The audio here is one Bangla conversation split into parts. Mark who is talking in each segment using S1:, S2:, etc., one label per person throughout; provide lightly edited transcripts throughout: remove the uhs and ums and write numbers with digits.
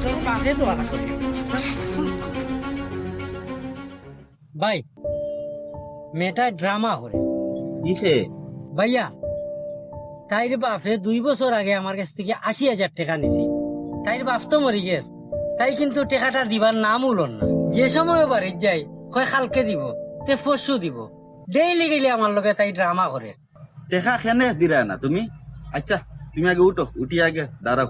S1: তোর বাপে তো আশা করি ভাই মেয়েটা ড্রামা করে
S2: ইসে
S1: ভাইয়া তাইর বাপে 2 বছর আগে আমার কাছ থেকে 80,000 টাকা নিছি। তাইর বাপ তো মরি গেছে, তাই কিন্তু টাকাটা দিবার নাম উলন না। যে সময় বাড়ি যাই কয় কালকে দিব, তে পরশু দিব, ডেইলি ডেইলি আমার লগে তাই ড্রামা করে।
S2: টেকা খেনে দিরা না তুমি? আচ্ছা তুমি আগে উঠো, উঠি আগে দাঁড়াও।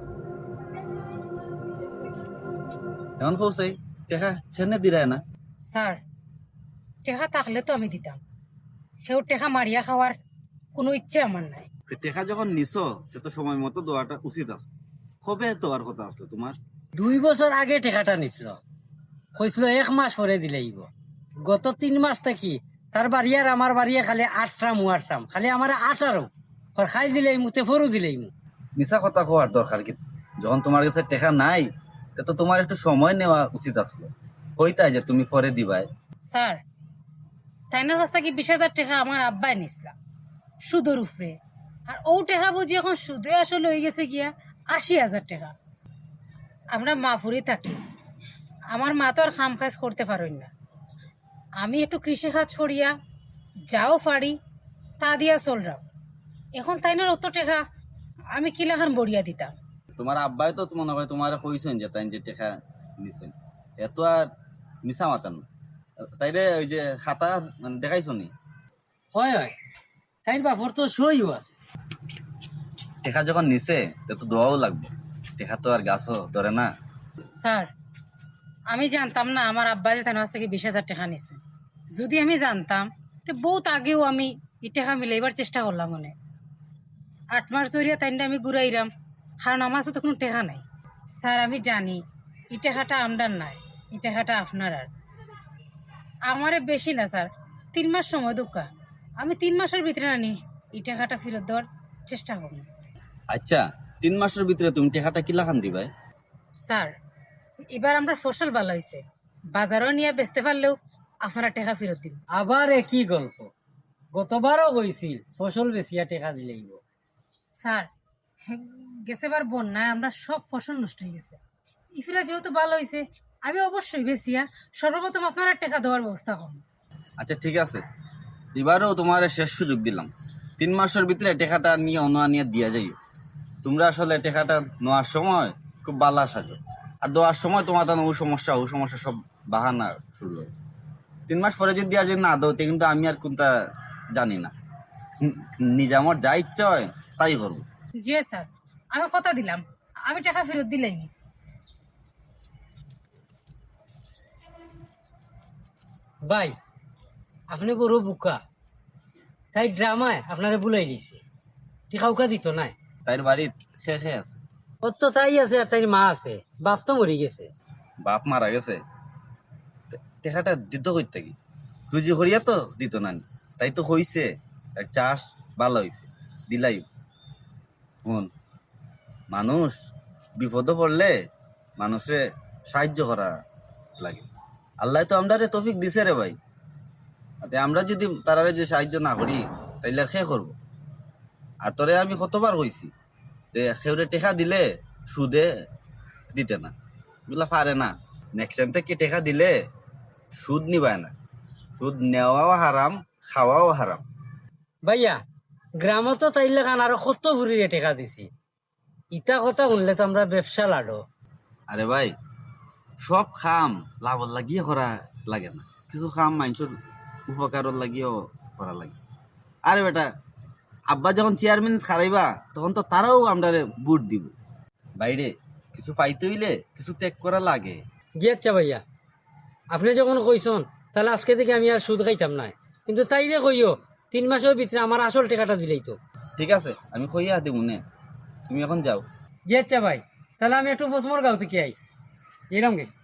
S2: এমন কৌসাই টেকা খেনে দিরা না?
S3: স্যার টেকা থাকলে তো আমি দিতাম, সেও টেকা মারিয়া খাওয়ার কোনো ইচ্ছে আমার নাই।
S2: টেকা যখন নিছো সে তো সময় মতো দেওয়াটা উচিত আছে। কবে দেওয়ার কথা আসলো তোমার?
S1: 2 বছর আগে টাকাটা নিছিল, কইছিল 1 মাস পরে দিলেইব। গত 3 মাস থাকি তার বাড়ি আর আমার বাড়ি খালি 8টাম খালি আমার 18 খাই দিলেই মুতে ফরু দিলেই মু।
S2: মিছা কথা কোয়ার দরকার কি? যখন তোমার কাছে টেকা নাই তো তোমার একটু সময় নেওয়া উচিত আসলো। কইতাই যে তুমি পরে দিবাই।
S3: স্যার তাইনার কাছ থেকে 20,000 টাকা আমার আব্বাই নিছিলাম সুদের উপরে, আর ও টাকা বুঝি এখন সুদে আসলে হয়ে গেছে গিয়া 80,000 টাকা। আমরা মাফুরি থাকি, আমার মা তো আর খাম কাজ করতে পারেন না। আমি একটু কৃষি কাজ করিয়া যাও পারি তা দিয়া চলরাম। এখন তাইনার অত টাকা আমি কিলাখান বড়িয়া দিতাম।
S2: তোমার আব্বাই তো মনে হয় তোমার কইছেন যে তাই যে টেকা নিছেন, এত আর মিছা মাতান তাইরে ওই যে খাতা দেখাইছো নি?
S1: হয় হয়, তাইর বাপর তো সইও আছে।
S2: টেকা যখন নিছে তো দোয়াও লাগবে, টেকা তো আর গাছও ধরে না।
S3: স্যার আমি জানতাম না আমার আব্বা যে তার কাছ থেকে 20,000 টাকা নিছে। যদি আমি জানতাম তো বহুত আগেও আমি এই টাকা মিলাইবার চেষ্টা করলাম। মনে 8 মাস ধরিয়া তাইনটা আমি ঘুরাইলাম, কারণ আমার কাছে তো কোনো টাকা নাই। স্যার আমি জানি এই টাকাটা আমদার নাই, এই টাকাটা আপনার। আর আমারে বেশি না স্যার, 3 মাস সময় দোকা, আমি 3 মাসের ভিতরে আনি এই টাকাটা ফেরত দেওয়ার চেষ্টা করব।
S2: আচ্ছা 3 মাসের ভিতরে তুমি টেকাটা কিলাখান দিবাই?
S3: স্যার এবার আমরা ফসল ভালো হয়েছে, বাজারও নিয়ে বেচতে পারলেও আপনারা টাকা ফেরত দিন।
S1: আবার একই গল্প, গতবারও কইছিল ফসল বেচিয়া টাকা দিলেইব।
S3: স্যার গেছেবার বন্যায় আমরা সব ফসল নষ্ট হয়ে গেছে, ইফিরা যেহেতু ভালো হয়েছে আমি অবশ্যই বেচিয়া সর্বপ্রথম আপনারা টাকা দেওয়ার ব্যবস্থা করুন।
S2: আচ্ছা ঠিক আছে, এবারেও তোমার শেষ সুযোগ দিলাম। 3 মাসের ভিতরে টেকাটা নিয়ে নিয়ে দিয়া যাইও। তোমরা আসলে টেকাটা নেওয়ার সময় খুব বালা সাজো, আর দেওয়ার সময় তোমার ও সমস্যা সব বাহানা শুরু হয়। 3 মাস পরে যদি আর যদি না দাও কিন্তু আমি আর কোনটা জানি না, নিজে আমার যা ইচ্ছা হয় তাই করবো।
S3: জি স্যার আমি কথা দিলাম আমি টাকা ফেরত দিলেই।
S1: ভাই আপনি বড় বুকা, তাই ড্রামায় আপনারে বুলাই দিছে, টিকাউকা দিত নাই।
S2: তাইর বাড়ির খেয়ে আছে।
S1: ওর তো তাই আছে আর তাই মা আছে, বাপ তো মরি গেছে।
S2: বাপ মারা গেছে, টেকাটা দিত কই থাকি? রুজি করিয়া তো দিত না, তাই তো হইছে চাষ ভালো হইছে দিলাই। হন মানুষ বিপদে পড়লে মানুষে সাহায্য করা লাগে। আল্লাহ তো আমরা তৌফিক দিছে রে ভাই, আমরা যদি তারারে যে সাহায্য না করি তাইলে আর খেয়ে করবো। আর তোরে আমি কতবার কইছি যে খেউরে টেকা দিলে সুদে দিতে না, এগুলা পারে না। নেক্সট টাইম থেকে টেকা দিলে সুদ নিবায় না, সুদ নেওয়াও হারাম, খাওয়াও হারাম।
S1: ভাইয়া গ্রামত তো তাইলে কান আরো কত ভুরিরে টেকা দিছি, ইটা কথা শুনলে তো আমরা ব্যবসা লাড়ো।
S2: আরে ভাই সব খাম লাভ লাগিয়ে করা লাগে না, কিছু খাম মানুষের উপকার লাগিয়েও করা লাগে। আরে বেটা আব্বা যখন চেয়ারম্যান খারাইবা তখন তো তারাও আমরা বুট দিব। বাইরে কিছু পাইতে হইলে কিছু ত্যাগ করা লাগে।
S1: জি আচ্ছা ভাইয়া, আপনি যখন কইসন তাহলে আজকে থেকে আমি আর সুদ খাইতাম না, কিন্তু তাইরে কইও 3 মাসের ভিতরে আমার আসল টাকাটা দিলেই তো।
S2: ঠিক আছে আমি কইয়া দিব নে, তুমি এখন যাও।
S1: জি আচ্ছা ভাই, তাহলে আমি একটু ফসমর গাঁও থেকে আই এরম গে।